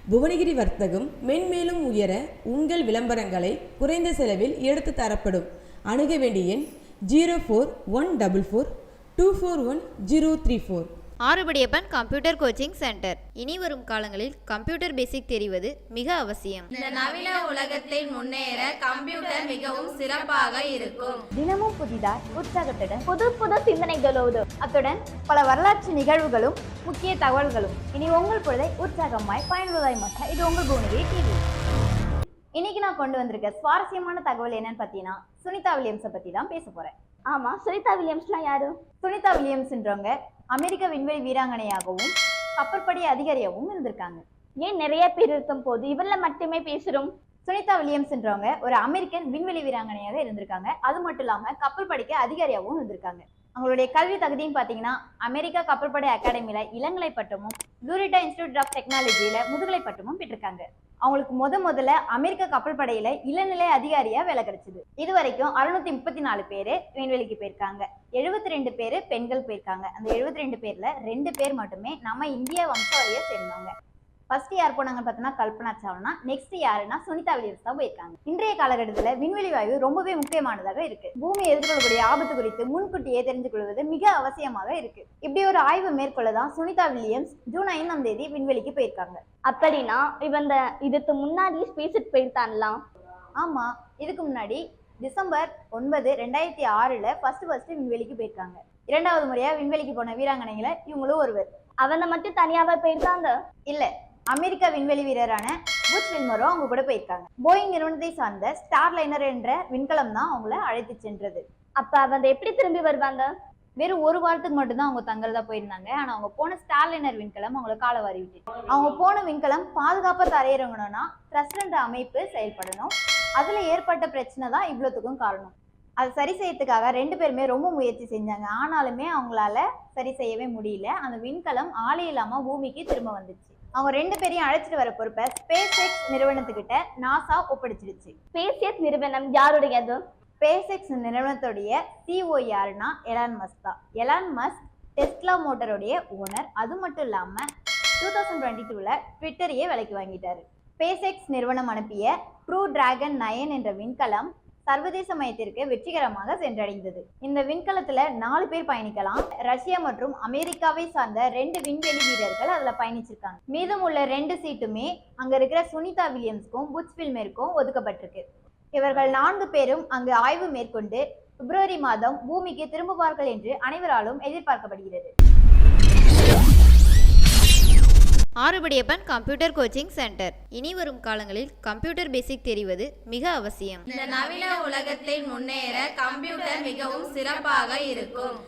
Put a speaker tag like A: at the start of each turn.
A: புவனகிரி வர்த்தகம் மென்மேலும் உயர உங்கள் விளம்பரங்களை குறைந்த செலவில் எடுத்து தரப்படும். அணுக வேண்டிய எண் 0414241034.
B: Arupadiyappan computer coaching centre. இனி வரும் காலங்களில் கம்ப்யூட்டர் பேசிக் தெரிவது மிக அவசியம்.
C: இந்த நவீன உலகத்தில் முன்னேற கம்ப்யூட்டர் மிகவும் சிறப்பாக இருக்கும்.
D: தினமும் புதிதாய் உற்சாகத்துடன் புது சிந்தனைகளோடு அத்துடன் பல வரலாற்று நிகழ்வுகளும் முக்கிய தகவல்களும் இனி உங்கள் பொழுதை உற்சாகமாய் பயனுள்ளதாய் மாற்ற இது உங்கள் புவனகிரி டிவி. இன்னைக்கு நான் கொண்டு வந்திருக்க சுவாரஸ்யமான தகவல் என்னன்னு பார்த்தீங்கன்னா சுனிதா வில்லியம்ஸை பத்தி தான் பேச போறேன். ஆமா, சுனிதா வில்லியம்ஸ்லாம் யாரு? சுனிதா வில்லியம்ஸ்ன்றவங்க அமெரிக்க விண்வெளி வீராங்கனையாகவும் கப்பற்படை அதிகாரியாகவும் இருந்திருக்காங்க. ஏன் நிறைய பேர் இருக்கும் போது இவள மட்டுமே பேசுறோம்? சுனிதா வில்லியம்ஸ்ன்றவங்க ஒரு அமெரிக்கன் விண்வெளி வீராங்கனையாக இருந்திருக்காங்க. அது மட்டும் இல்லாம கப்பல் படைக்கு அதிகாரியாகவும் இருந்திருக்காங்க. அவங்களுடைய கல்வி தகுதின்னு பார்த்தீங்கன்னா அமெரிக்கா கப்பற்படை அகாடமியில இளங்கலை பட்டமும் லூரிட்டா இன்ஸ்டிடியூட் ஆஃப் டெக்னாலஜியில முதுகலை பட்டமும் பெற்றிருக்காங்க. அவங்களுக்கு முதல்ல அமெரிக்க கப்பல் படையில இளநிலை அதிகாரியா வேலை கிடைச்சது. இது வரைக்கும் 634 பேரு விண்வெளிக்கு போயிருக்காங்க. 72 பேரு பெண்கள் போயிருக்காங்க. அந்த 72 பேர்ல 2 பேர் மட்டுமே நம்ம இந்திய வம்சாவளியை சேர்ந்தவங்க. ஃபர்ஸ்ட் யார் போனாங்கன்னு பார்த்தோம்னா கல்பனா சாவ்லா. நெக்ஸ்ட் யாருன்னா சுனிதா வில்லியம்ஸ் தான் போயிருக்காங்க. இன்றைய காலகட்டத்தில் விண்வெளி வாயு ரொம்பவே முக்கியமானதாக இருக்கு. பூமி எதிர்கொள்ளக்கூடிய ஆபத்து குறித்து முன்கூட்டியே தெரிந்து கொள்வது மிக அவசியமாக இருக்கு. இப்படி ஒரு ஆய்வு மேற்கொள்ளதான் சுனிதா வில்லியம்ஸ் ஜூன் 5ஆம் தேதி விண்வெளிக்கு போயிருக்காங்க.
E: அப்படின்னா இவங்க இதுக்கு முன்னாடி ஸ்பேஸுக்கு போயிருத்தான்லாம்?
D: ஆமா, இதுக்கு முன்னாடி டிசம்பர் 9, 2006 ஃபர்ஸ்ட் விண்வெளிக்கு போயிருக்காங்க. 2வது முறையா விண்வெளிக்கு போன வீராங்கனைகளை இவங்களும் ஒருவர்.
E: அவங்க மட்டும் தனியாவே போயிருக்காங்க?
D: இல்ல, அமெரிக்க விண்வெளி வீரரான புச் வில்மரும் அவங்க கூட போயிருக்காங்க. போயிங் நிறுவனத்தை சார்ந்த ஸ்டார்லைனர் என்ற விண்கலம் தான் அவங்கள அழைத்து சென்றது.
E: அப்ப அவங்க எப்படி திரும்பி வருவாங்க?
D: வெறும் 1 வாரத்துக்கு மட்டும்தான் அவங்க தங்கறதா போயிருந்தாங்க. ஆனா அவங்க போன ஸ்டார்லைனர் விண்கலம் அவங்களை கால வாரி விட்டு. அவங்க போன விண்கலம் பாதுகாப்பா தரையிறங்கணும்னா த்ரஸ்டர் என்ற அமைப்பு செயல்படணும். அதுல ஏற்பட்ட பிரச்சனை தான் இவ்வளவுக்கும் காரணம். அதை சரி செய்யறதுக்காக 2 பேருமே ரொம்ப முயற்சி செஞ்சாங்க. ஆனாலுமே அவங்களால சரி செய்யவே முடியல. அந்த விண்கலம் ஆளே இல்லாம பூமிக்கு திரும்ப வந்துச்சு. அவங்க 2 பேரையும் அழைச்சிட்டு வர பொறுப்பை ஸ்பேஸ் எக்ஸ் நிறுவனத்துக்கிட்ட நாசா ஒப்படைச்சிருச்சு.
E: ஸ்பேஸ் எக்ஸ் நிறுவனம் யாருடையது?
D: ஸ்பேஸ் எக்ஸ் நிறுவனத்துடைய சிஓ யாருன்னா எலான் மஸ்க் தான். எலான் மஸ்க் டெஸ்லா மோட்டருடைய ஓனர். அது மட்டும் இல்லாம 2022ல ட்விட்டரையே விலைக்கு வாங்கிட்டாரு. ஸ்பேஸ் எக்ஸ் நிறுவனம் அனுப்பிய க்ரூ டிராகன் 9 என்ற விண்கலம் சர்வதேச மையத்திற்கு வெற்றிகரமாக சென்றடைந்தது. இந்த விண்கலத்துல 4 பேர் பயணிக்கலாம். ரஷ்யா மற்றும் அமெரிக்காவை சார்ந்த 2 விண்வெளி வீரர்கள் அதுல பயணிச்சிருக்காங்க. மீதம் உள்ள 2 சீட்டுமே அங்க இருக்கிற சுனிதா வில்லியம்ஸ்க்கும் புச் வில்மருக்கும் ஒதுக்கப்பட்டிருக்கு. இவர்கள் 4 பேரும் அங்கு ஆய்வு மேற்கொண்டு பிப்ரவரி மாதம் பூமிக்கு திரும்புவார்கள் என்று அனைவராலும் எதிர்பார்க்கப்படுகிறது.
B: Arupadiyappan computer coaching centre. இனி வரும் காலங்களில் கம்ப்யூட்டர் பேசிக் தெரிவது மிக அவசியம்.
C: இந்த நவீன உலகத்தில் முன்னேற கம்ப்யூட்டர் மிகவும் சிறப்பாக இருக்கும்.